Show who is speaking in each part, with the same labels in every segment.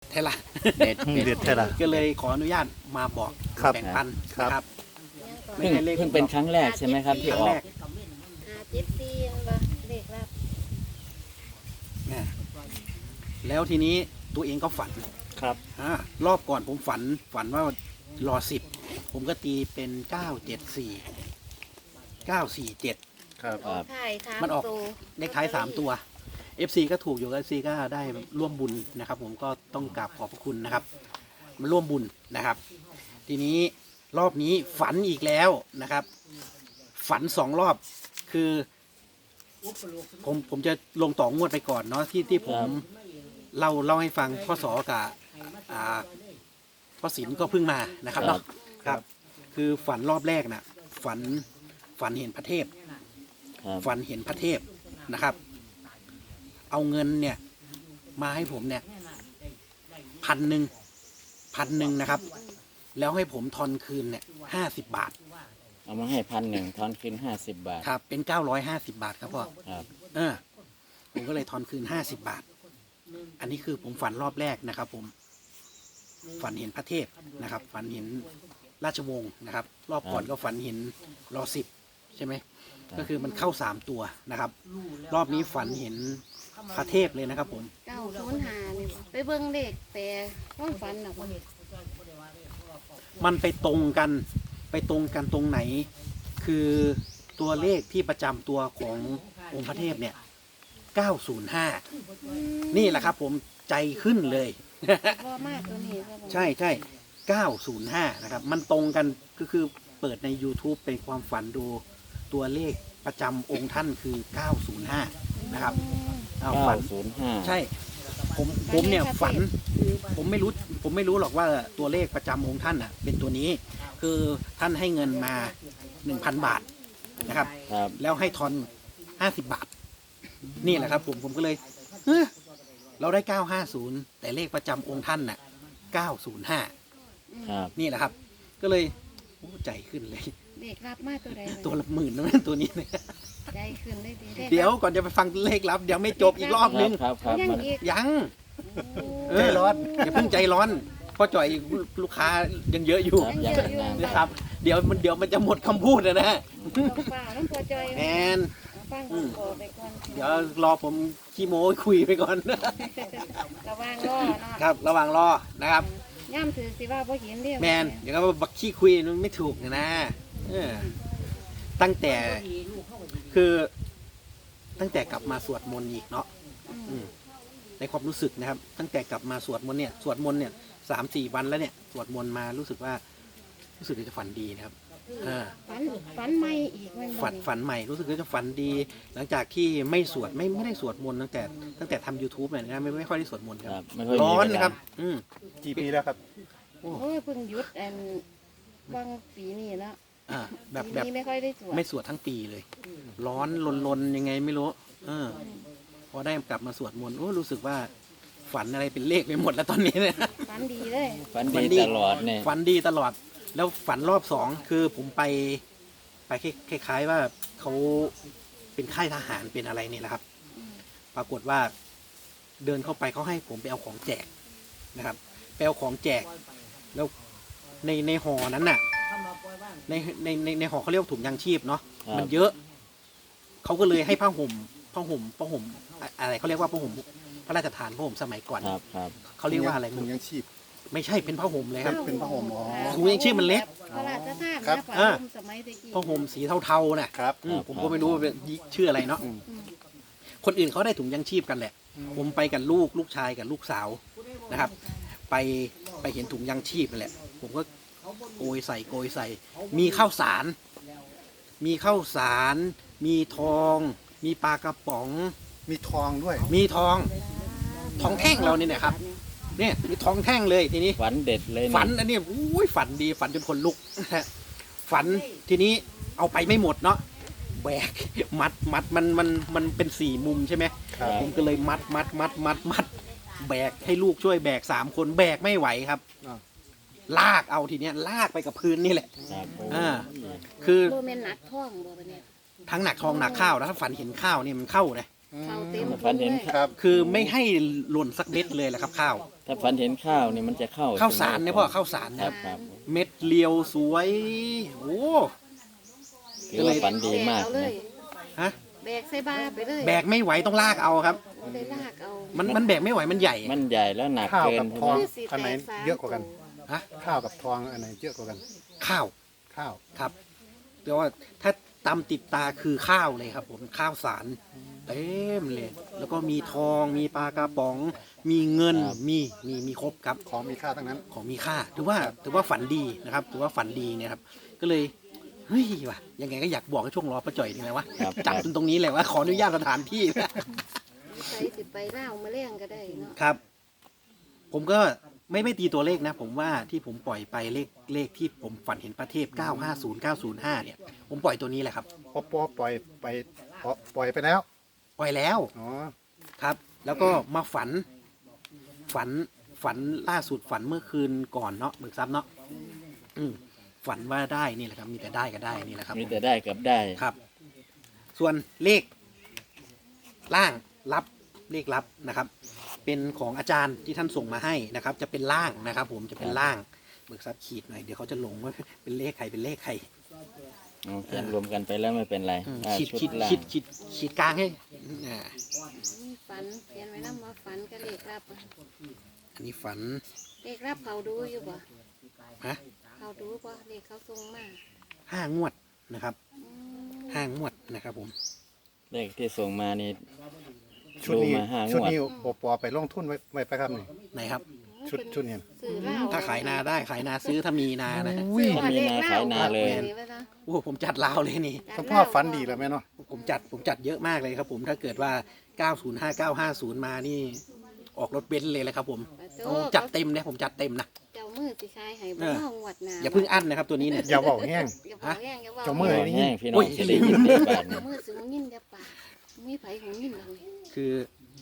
Speaker 1: เทละ
Speaker 2: เด็ด
Speaker 3: เด็ดแท้ละ
Speaker 1: ก็เลยขออนุญาตมาบอก
Speaker 3: ครับ
Speaker 1: แบ่งปัน
Speaker 3: ครับ
Speaker 1: นะครับ
Speaker 2: เพิ่งเป็นครั้งแรกใช่ไหมครับที่ออก
Speaker 4: 54บ่เลขลับ
Speaker 1: นะแล้วทีนี้ตัวเองก็ฝัน
Speaker 3: ครับ
Speaker 1: รอบก่อนผมฝันว่ารอ10ผมก็ตีเป็น974
Speaker 3: ครับ
Speaker 2: ครับ
Speaker 4: ถ่าย3
Speaker 1: มันออก
Speaker 4: ตัว
Speaker 1: เลขท้าย3ตัว FC ก็ถูกอยู่ FC ก็ได้ร่วมบุญนะครับ ผมก็ต้องกราบขอบพระคุณนะครับมาร่วมบุญนะครับ ทีนี้รอบนี้ฝันอีกแล้วนะครับ ฝัน2 รอบคือ ผมจะลงต่องวดไปก่อนเนาะที่ผมเล่าให้ฟังพ่อสอกับพ่อศิลป์ก็เพิ่งมานะครับเนาะครับ คือฝันรอบแรกนะฝันเห็นพระเทพ
Speaker 2: ครับ
Speaker 1: ฝันเห็นพระเทพนะครับ เอาเงินเนี่ย มาให้ผมเนี่ย1,000นะครับ แล้วให้ผมทอนคืนเนี่ย50 บาท
Speaker 2: เอามาให้1,000ทอนคืน50 บาท
Speaker 1: ครับ เป็น950 บาทครับพ่อ
Speaker 2: ครับ
Speaker 1: ผมก็เลยทอนคืน50 บาท อันนี้คือผมฝันรอบแรกนะครับ ผม ฝันเห็นพระเทพนะครับ ฝันเห็นราชวงศ์นะครับ รอบก่อนก็ฝันเห็นรอ10ใช่ไหม ก็คือมันเข้า3ตัวนะครับ รอบนี้ฝันเห็นพระเทพเลยนะครับ ผม
Speaker 4: 905นี่บ่ไปเบิ่งเลขแต่ความฝันน่ะบ่
Speaker 1: มันไปตรงกันตรงไหน คือตัวเลขที่ประจำตัวขององค์พระเทพเนี่ย905นี่แหละครับ ผมใจขึ้นเลย
Speaker 4: บ่มากตัวนี้ก็บ่
Speaker 1: ใช่905นะครับ มันตรงกันก็คือเปิดใน YouTube เป็นความฝันดูตัวเลขประจำองค์ท่านคือ905นะครับเอาฝัน
Speaker 2: 905
Speaker 1: ใช่ ผมเนี่ยฝัน ผมไม่รู้หรอกว่าตัวเลขประจำองค์ท่านอ่ะ เป็นตัวนี้ คือท่านให้เงินมา 1,000 บาทนะครับ
Speaker 2: ครับ
Speaker 1: แล้วให้ทอน50 บาท นี่แหละครับ ผมก็เลยเฮ้ยเราได้950แต่เลขประจำองค์ท่านน่ะ905
Speaker 2: ครับ
Speaker 1: นี่แหละครับ ก็เลยโอ้ใจขึ้นเลย
Speaker 4: เลขลับมาตัวใด
Speaker 1: ตัวละ10,000นะตัวนี้เนี่ย
Speaker 4: ใจขึ้นได้ดี
Speaker 1: เดี๋ยวก่อนจะไปฟังเลขลับเดี๋ยวไม่จบอีกรอบนึง
Speaker 2: ครับครับ
Speaker 4: ยัง
Speaker 2: มัน
Speaker 4: อีก
Speaker 1: ยัง
Speaker 4: โอ้
Speaker 1: ใจร้อนอย่าเพิ่งใจร้อนเพราะจ่อยลูกค้ายังเยอะอยู่
Speaker 2: ครับยังนาน
Speaker 1: นะครับ เดี๋ยวมันจะหมดคำพูดนะ
Speaker 4: ต้องฝ่าต้องพอใจ
Speaker 1: แอน
Speaker 4: ฟังขอไปก่อน
Speaker 1: เดี๋ยวรอผมขี้โม้คุยไปก่อน
Speaker 4: ระวังรอเนาะ
Speaker 1: ครับ ระหว่างรอนะครับ
Speaker 4: ย่ำถือสิว่าบ่เห็นเด้อ
Speaker 1: แมนเดี๋ยวก็บักขี้คุยมันไม่ถูกนะตั้งแต่คือตั้งแต่กลับมาสวดมนต์อีกเนาะในความรู้สึกนะครับ ตั้งแต่กลับมาสวดมนต์เนี่ย3-4 วันแล้วเนี่ยสวดมนต์มารู้สึกว่าจะฝันดีนะครับ
Speaker 4: ฝันใหม่อีกแม่นบ่นี่
Speaker 1: ฝันใหม่รู้สึกว่าจะฝันดี หลังจากที่ไม่สวดไม่ได้สวดมนต์ตั้งแต่ทำ YouTube เนี่ยนะไม่ค่อยได้สวดมนต์ค
Speaker 2: ค
Speaker 1: รั
Speaker 2: รั
Speaker 1: บบ
Speaker 2: ไม่ค่อยมี
Speaker 1: ร้อน
Speaker 2: เวลา
Speaker 1: นะครับ
Speaker 3: กี่ปีแล้วครับ
Speaker 4: โอ้ยเพิ่งหยุดบางปีนี้เนาะ
Speaker 1: แบบ
Speaker 4: ปีนี้ไม่ค่อยได้สวด
Speaker 1: ไม่สวดทั้งปีเลย ร้อนลนยังไงไม่รู้พอได้กลับมาสวดมนต์รู้สึกว่าฝันอะไรเป็นเลขไปหมดแล้วตอนนี้เนี่ย
Speaker 4: ฝันดีเลย
Speaker 2: ฝัน
Speaker 1: ฝันดี
Speaker 2: ดีตลอดเนี่ย
Speaker 1: ฝันดีตลอด แล้วฝันรอบ2คือผมไปคล้ายๆว่าเขาเป็นค่ายทหารเป็นอะไรเนี่ยแหละครับ ปรากฏว่าเดินเข้าไปเขาให้ผมไปเอาของแจกนะครับไปเอาของแจก แล้วในห่อนั้นน่ะ ในห่อเขาเรียกว่าถุงยางชีพเนาะมันเยอะ เขาก็เลยให้ผ้าห่มอะไรเขาเรียกว่าผ้าห่มพระราชทานผ้าห่มสมัยก่อน
Speaker 2: ครับครับ
Speaker 1: เขาเรียกว่าอะไร
Speaker 3: ถุงยังชีพ
Speaker 1: ไม่ใช่เป็นผ้าห่มเลยครับ
Speaker 3: เป็นผ้าห่มอ๋อ
Speaker 1: ถุงยางชีพมันเล็ก
Speaker 4: พระราชทาน
Speaker 3: ครับ
Speaker 4: นะฝ่าลมสมัยตะกี้
Speaker 1: ผ้าห่มสีเทาๆน่ะ
Speaker 3: ครับ
Speaker 1: ผมก็ไม่รู้ว่าเป็นชื่ออะไรเนาะ คนอื่นเขาได้ถุงยังชีพกันแหละ ผมไปกับลูกชายกับลูกสาวนะครับ ไปเห็นถุงยังชีพนั่นแหละ ผมก็โกยใส่ มีข้าวสาร มีทอง มีปลากระป๋อง
Speaker 3: มีทองด้วย
Speaker 1: มีทองแท่งเราเนี่ยนะครับ เนี่ยมีทองแท่งเลยทีนี้
Speaker 2: ฝันเด็ดเลยะ
Speaker 1: ฝันอันนี้อุ้ยฝันดีฝันจนคนลุก ฝันทีนี้เอาไปไม่หมดเนาะแบกมัดมันเป็น4 มุมใช่ไหม
Speaker 3: ครับ
Speaker 1: ผมก็เลยมัดแบกให้ลูกช่วยแบก3 คนแบกไม่ไหวครับ
Speaker 3: อ่า
Speaker 1: ลากเอาทีเนี้ยลากไปกับพื้นนี่แหละ
Speaker 2: ครับโอ้
Speaker 1: อ่า คือ
Speaker 4: โบเมนหนักท้องบ่ปะเนี่ย
Speaker 1: ทั้งหนักทองหนักข้าวแล้วถ้าฝันเห็นข้าวนี่มันเข้านะ
Speaker 4: เขาเต็ม
Speaker 2: ฝันเห็น
Speaker 3: ครับ
Speaker 1: คือไม่ให้หล่นสักเม็ดเลยแหละครับข้าว
Speaker 2: คถ้าฝันเห็นข้าวนี่มันจะเข้า
Speaker 1: ข้าวสาร
Speaker 2: ใช่ไหม
Speaker 1: เนี่ยพ่อข้าวสาร
Speaker 2: ค
Speaker 1: นะ
Speaker 2: รับครับ
Speaker 1: เม็ดเรียวสวยโอ้
Speaker 2: ถือว่าฝันดีมาก
Speaker 4: แบเอเล
Speaker 2: นะ
Speaker 4: ย
Speaker 1: ฮะ
Speaker 4: แบกใส่บาไปเลย
Speaker 1: แบกไม่ไหวต้องลากเอาครับ
Speaker 4: บ่ได้ลากเอา
Speaker 1: มันแบกไม่ไหวมันใหญ่
Speaker 2: มันใหญ่แล้วหนัก
Speaker 3: ข้าว
Speaker 2: เกิน
Speaker 3: กับ
Speaker 2: ใช่
Speaker 3: ท
Speaker 2: ไห
Speaker 3: อ
Speaker 2: ม
Speaker 3: ง
Speaker 4: คือสิ
Speaker 3: อันไหน
Speaker 4: แตกสาม
Speaker 3: เยอะกว่ากัน
Speaker 1: ฮะ
Speaker 3: ข้าวกับทองอันไหนเยอะกว่ากัน
Speaker 1: ข้าว
Speaker 3: ข้าว
Speaker 1: ครับแต่ว่าถ้าตำติดตาคือข้าวเลยครับ ผมข้าวสารเต็มเลย แล้วก็มีทองมีปลากระป๋อง มีเงินมีครบครับ
Speaker 3: ของมีค่าทั้งนั้น
Speaker 1: ของมีค่าถือว่าฝันดีนะครับถือว่าฝันดีเนี่ยครับก็เลยเฮ้ยว่ะยังไงก็อยากบอกให้ช่วงรอประจ่อยนี่แหละวะ
Speaker 2: ครับ
Speaker 1: จับจนตรงนี้แหละว่าขออนุญาตสถานที่นะ
Speaker 4: ใส่สิไปเล่าวมาเลี้ยงก็ได้เนาะ
Speaker 1: ครับ ผมก็ไม่ตีตัวเลขนะ ผมว่าที่ผมปล่อยไปเลขที่ผมฝันเห็นประเทศ 950 905 เนี่ย ผมปล่อยตัวนี้แหละครับ
Speaker 3: ปอปล่อยไปปล่อยไปแล้ว
Speaker 1: ปล่อยแล้ว
Speaker 3: อ๋อ
Speaker 1: ครับ แล้วก็มาฝันล่าสุดฝันเมื่อคืนก่อนเนาะเบิกทรัพย์เนาะฝันว่าได้นี่แหละครับ มีแต่ได้ก็ได้นี่แหละครับ
Speaker 2: มีแต่ได้กับได้
Speaker 1: ครับ ส่วนเลขล่างลับเลขลับนะครับ เป็นของอาจารย์ที่ท่านส่งมาให้นะครับ จะเป็นล่างนะครับ ผมจะเป็นล่างเบิกทรัพย์ขีดหน่อยเดี๋ยวเขาจะลงว่าเป็นเลขใครเป็นเลขใคร
Speaker 2: เขียนรวมกันไปแล้วไม่เป็นไร
Speaker 1: ขีด
Speaker 2: ชุ
Speaker 1: ขีด
Speaker 2: ล่าง
Speaker 1: ขีดกลางให้อ่า
Speaker 4: มีฝันเขียนไว้นำว่าฝันก็เลขรับอะ
Speaker 1: อันนี้ฝัน
Speaker 4: เลขรับเขาดูอยู่บ่
Speaker 1: ฮะ
Speaker 4: เขาดูบ่เลขเขาส่งมา
Speaker 1: 5 งวดนะครับ
Speaker 4: อืม
Speaker 1: 5 งวดนะครับ ผม
Speaker 2: เลขที่ส่งมานี่
Speaker 3: ชุดนี้
Speaker 2: ดูมาห้างวด
Speaker 3: ชุดนี้ปอไปลงทุนไว้ไปครับนี่
Speaker 1: ไหนครับ
Speaker 3: ชุดนี้
Speaker 4: สื่อเล่า
Speaker 1: ถ้าขายนาได้ขายนาซื้อถ้ามีนานะ
Speaker 4: ซื้อ
Speaker 2: ถ้ามีนาขายนาเลย
Speaker 4: นี่ไว้นะ
Speaker 1: โอ้ผมจัดลาวเลยนี่
Speaker 3: คุณพ่อฝันดีแล้วไหมเนาะ
Speaker 1: ผมจัดเยอะมากเลยครับ ผมถ้าเกิดว่า 905 950 มานี่ ออกรถเบนซ์เลยแหละครับ ผมผมจัดเต็มนะผมจัดเต็มนะ
Speaker 4: เจ้ามือสิขายให้บ่เฮางวดหน้า
Speaker 1: อย่าเพิ่งอั้นนะครับตัวนี้เนี่ย
Speaker 3: อย่าบอกแห้ง
Speaker 4: อย่าบอกแห้งอย่าบอก
Speaker 3: เจ้ามือ
Speaker 2: แห้งพี่น้
Speaker 1: โอ้
Speaker 2: อง
Speaker 1: ย
Speaker 2: จะได้ยินในบ้าน
Speaker 4: เจ้า
Speaker 2: นี่
Speaker 4: มือสิหูยินอย่าปากมีไผหูยินเลย
Speaker 1: คือ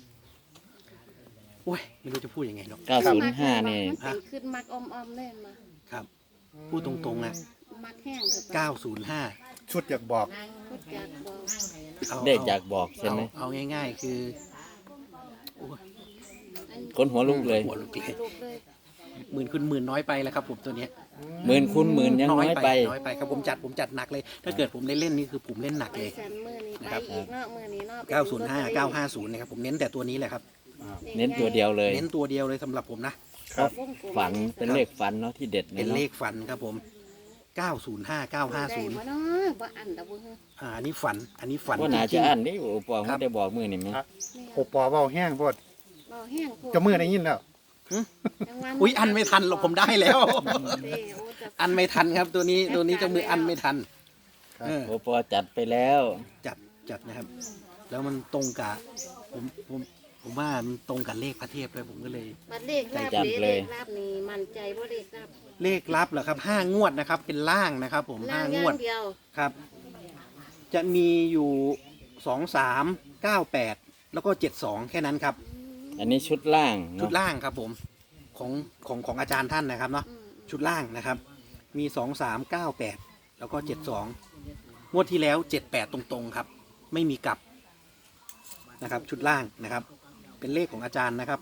Speaker 1: โอ้ยไม่รู้จะพูดยังไงเนาะ
Speaker 2: 905 นี่
Speaker 4: มันเป็นขึ้นมักอมๆเล่นมา
Speaker 1: ครับ พูดตรงๆนะ
Speaker 4: มักแห้งเถอะปะ
Speaker 1: 905
Speaker 3: ชุดอยากบอก
Speaker 4: พูดจากบอก
Speaker 1: เอา
Speaker 2: เลขอยากบอกใช่ไหม
Speaker 1: เอาง่าย ๆ คือโอ้ย
Speaker 4: อัน
Speaker 2: คนหัวลุกเลย
Speaker 1: หัวลุกเลย
Speaker 4: ลูกเลย
Speaker 1: หมื่นคุณหมื่นน้อยไปแล้วครับ ผมตัวเนี้ย
Speaker 2: หมื่นคูณหมื่นยังน้อยไป
Speaker 1: น้อยไปครับผมจัดหนักเลย ถ้าเกิดผมได้เล่นนี่คือผมเล่นหนัก
Speaker 4: ไป
Speaker 1: เลย
Speaker 4: สันมือนี้ไป
Speaker 1: นะครับ
Speaker 4: อีกเนาะมือนี้เนาะไป
Speaker 1: 905 950นะครับผมเน้นแต่ตัวนี้แหละครับ
Speaker 2: เน้นตัวเดียวเลย
Speaker 1: เน้นตัวเดียวเลยสำหรับผมนะ
Speaker 2: ครับ ฝันเป็นเลขฝันเนาะที่เด็ด
Speaker 1: เป็น
Speaker 2: เนาะ
Speaker 1: เลขฝันครับผม 905
Speaker 4: ได้
Speaker 1: 950
Speaker 4: บ่เนาะบ่อันดอกบ่เฮ้อ
Speaker 1: อันนี้ฝัน
Speaker 2: ว่าน่า
Speaker 1: จริ
Speaker 2: จะ
Speaker 1: ง
Speaker 2: อันนี้โอ้ปอเขาได้บอกมือนี่ไหม
Speaker 3: โอปอเบาแห้งโพด
Speaker 4: บ่แห้งโพด
Speaker 3: เจ้ามือได้ยินแล้ว
Speaker 4: จังหวะ
Speaker 1: อุ้ยอันไม่ทันหรอกผมได้แล้ว
Speaker 4: เด้โอ้จะ
Speaker 1: อันไม่ทันครับตัวนี้เจะมืออันไม่ทัน
Speaker 3: ครับ
Speaker 1: เออ
Speaker 2: โอ้ปอจัดไปแล้ว
Speaker 1: จัดนะครับ แล้วมันตรงกับผมว่ามันตรงกับเลขพระเทพเลยผมก็เลย
Speaker 4: บัดเลขลาบ
Speaker 2: จัด
Speaker 4: เด้
Speaker 2: เล
Speaker 4: เลย ขลาบนี่มั่นใจบ่เลขลาบ
Speaker 1: เลขลับเหรอครับ5 งวดนะครับ เป็นล่างนะครับ ผม
Speaker 4: ล่าง
Speaker 1: 5
Speaker 4: อง ย่าว
Speaker 1: ด
Speaker 4: งเดียว
Speaker 1: ครับ จะมีอยู่2 3 9 8แล้วก็72แค่นั้นครับ
Speaker 2: อันนี้ชุดล่าง
Speaker 1: ชุด
Speaker 2: เนาะ
Speaker 1: ล่างครับผมของอาจารย์ท่านนะครับเนาะ
Speaker 4: อืม
Speaker 1: ชุดล่างนะครับ มี2398แล้วก็72งวดที่แล้ว78ตรงๆครับ ไม่มีกลับนะครับ ชุดล่างนะครับ เป็นเลขของอาจารย์นะครับ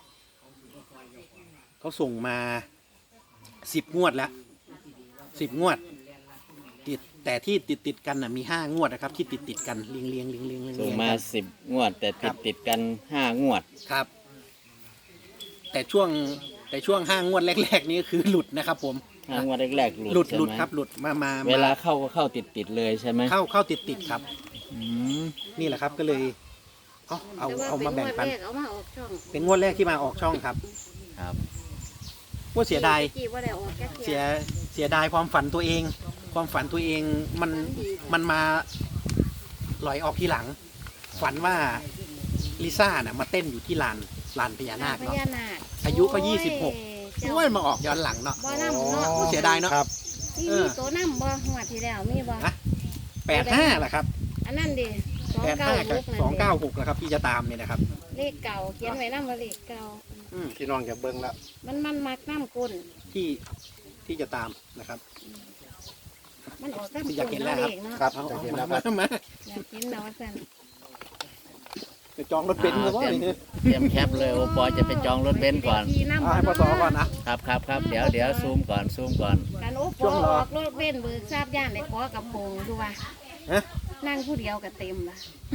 Speaker 1: เขาส่งมา10 งวดแล้ว10 งวดติดแต่ที่ติดกันนะมี5 งวดนะครับ ที่ติดกันเรียง
Speaker 2: ส่งมา
Speaker 1: กัน
Speaker 2: 10 งวด แต่ติดกัน5 งวด
Speaker 1: ครับ แต่ช่วง5 งวดแรกๆนี้คือหลุดนะครับผม
Speaker 2: 5 งวดแรกๆหลุด
Speaker 1: หลุด
Speaker 2: ใช่ไหม
Speaker 1: ครับหลุดมา
Speaker 2: เวลาเข้าก็เข้าติดเลยใช่ไหม
Speaker 1: เข้าติดครับ
Speaker 2: อืม
Speaker 1: นี่แหละครับก็เลยเอา
Speaker 4: แต่ว่
Speaker 1: เอามาแบ่งปัน
Speaker 4: เป็งวดรกเอามาออกช่อง
Speaker 1: เป็นงวดแรกที่มาออกช่องครับ
Speaker 2: ครับ
Speaker 1: ว่าเสียดาย
Speaker 4: กี่บ่ได้ออกแค่
Speaker 1: เสียดายความฝันตัวเอง ความฝันตัวเองมันมาลอยออกทีหลัง ฝันว่าลิซ่าน่ะมาเต้นอยู่ที่ลานพญานาค
Speaker 4: พ
Speaker 1: เนาะ
Speaker 4: ญานาค
Speaker 1: อายุก็26
Speaker 4: โอ้ย
Speaker 1: ด้วยมาออกย้อนหลังเนาะ
Speaker 4: บ่นำเนาะ
Speaker 1: โอ้เสียดายเนาะ
Speaker 3: ครับ
Speaker 4: นี่มีตัวนำบ่หัวดที่แล้วมีบ่
Speaker 1: ฮะ 85แหละครับ
Speaker 4: อันนั้นดิ
Speaker 1: 85กับ
Speaker 4: 296
Speaker 1: 296นะครับที่จะตามเนี่ยนะครับ
Speaker 4: เลขเก่าเขียนไว้นำว่าเลขเก่า
Speaker 3: พี่น้องอย่าเบิ่งแล้ว
Speaker 4: มันมักน้ำก้น
Speaker 1: ที่จะตามนะครับ
Speaker 4: มันออกน้ำ
Speaker 1: อยากเห็นแล้ว
Speaker 4: เล
Speaker 1: ครับ
Speaker 4: ขเนาะ
Speaker 3: ครับ
Speaker 1: เอา
Speaker 3: จะเห็นแล้วค
Speaker 1: มา
Speaker 3: รับ
Speaker 1: มา
Speaker 4: อยากเห็นแล้วว่าซั่น
Speaker 1: จะจองรถเบนซ์ก็ว่า
Speaker 2: เตรียมแคปเลยโอปอจะไปจองรถเบนซ์ก่อน
Speaker 4: ขี่น้ำ
Speaker 1: ให้พศก่อนนะครับ
Speaker 2: ครับเดี๋ยวซูมก่อน
Speaker 4: การโอ้ปอออกรถเว้นเบิกทราบย่านได้ขอกับโปงดูว่า
Speaker 1: ฮะ
Speaker 4: นั่งผู้เดียวก็เต็มละ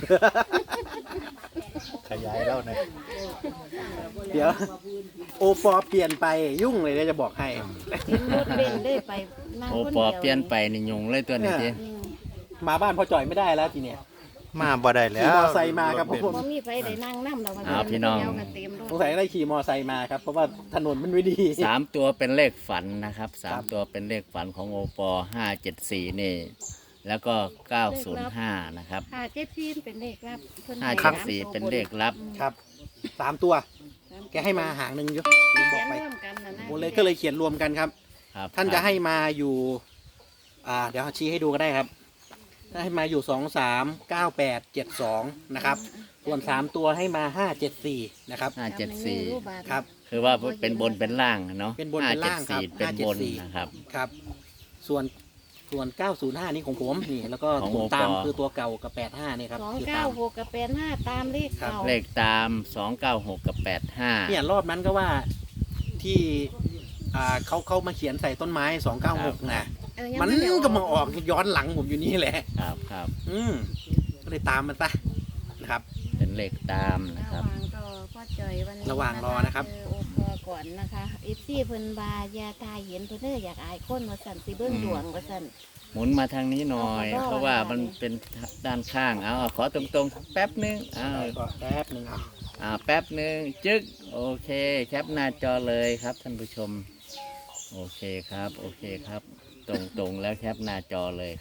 Speaker 3: ขยายแล้วนะ
Speaker 1: เดี๋ยวโอปอเปลี่ยนไปยุ่งเลยนะจะบอกให้
Speaker 4: เห็นรถเว้นได้ไปนั่ง
Speaker 2: โอ
Speaker 4: คน
Speaker 2: ปอ
Speaker 4: เดียว
Speaker 2: เปลี่ยนไปนี่ยุงเลยตัวนี้ที
Speaker 4: อืม
Speaker 1: มาบ้านพ่อจ่อยไม่ได้แล้วทีเนี้ย
Speaker 3: มาบ่ได้แล้
Speaker 1: ขี่
Speaker 3: ว
Speaker 1: มอไซค์มาครับผม
Speaker 4: บ่มีไฟได้นั่งน้ำแล้วว่า
Speaker 2: พี่น้อง
Speaker 4: เดียวก็เต็มรถ
Speaker 1: สงสัยได้ขี่มอไซค์มาครับเพราะว่าถนนมันไม่ดี
Speaker 2: 3 ตัวเป็นเลขฝันนะครับ
Speaker 1: ครับ
Speaker 2: 3 ตัวเป็นเลขฝันของโอปอ574นี่แล้วก็905นะครับ
Speaker 4: ค่ะเจ็ดซีนเป็นเลขรับเพิ่นให้
Speaker 2: 574เป็นเลขลับ
Speaker 1: ครับ3 ตัว แกให้มาหางหนึ่งอยู่ลืมบ
Speaker 4: เขี
Speaker 1: อย ก
Speaker 4: น
Speaker 1: ไป
Speaker 4: ร่วมกันนะนะ
Speaker 1: โอ้เลยก็เลยเขียนรวมกันครับ
Speaker 2: ครับ
Speaker 1: ท่านจะให้มาอยู่ เดี๋ยวชี้ให้ดูก็ได้ครับให้มาอยู่239872นะครับ ส่วน3ตัวให้มา574นะครับ
Speaker 2: 574
Speaker 1: ครับ
Speaker 2: คือว่าเป็นบนเป็นล่างเนาะ
Speaker 1: เป็นบนเป็นล่างครับ
Speaker 2: 574เป็นบน
Speaker 1: 574
Speaker 2: นะครับ
Speaker 1: ครับ ส่วน905นี่ของผมนี่แล้วก็
Speaker 2: ของ
Speaker 1: ผม
Speaker 2: โอปอ
Speaker 1: ตามคือตัวเก่ากับ85นี่ครับ
Speaker 4: สอง
Speaker 1: คือ
Speaker 4: เก้า
Speaker 1: ตาม
Speaker 4: หกกับ85ตามเลขเก่า
Speaker 2: เลขตาม 296 กับ 85
Speaker 1: เนี่ยรอบนั้นก็ว่าที่เขามาเขียนใส่ต้นไม้296นะ
Speaker 4: เออยัง
Speaker 1: มัน
Speaker 4: ไได้
Speaker 1: ก็มาออกย้อนหลังผมอยู่นี่แหละ
Speaker 2: ครับ
Speaker 1: ก็เลยตามมันซะนะครับ
Speaker 2: เป็นเลขตามนะ
Speaker 4: ระ
Speaker 2: ค
Speaker 4: ห
Speaker 2: รับ
Speaker 4: ว่างรอพ่อจอยวันนี้
Speaker 1: ระหว่างรอนะครับ
Speaker 4: เจอโอปอก่อนนะคะอีซี่เพิ่นบายาตายเห็นเพิ่นเด้ออยากอายคนว่าสั่นสิเบิ่งดวงว่าสั่น
Speaker 2: หมุนมาทางนี้หน่อย
Speaker 4: เอาขอโทษ
Speaker 2: เพราะว่ามันเป็นด้านข้าง เอาขอตรงๆ แป๊บนึงเอา
Speaker 1: ก็แป๊บหนึ่งครับ
Speaker 2: แป๊บนึง จึ๊ก โอเค แคปหน้าจอเลยครับท่านผู้ชม โอเคครับ ตรงๆแล้วแคปหน้าจอเลย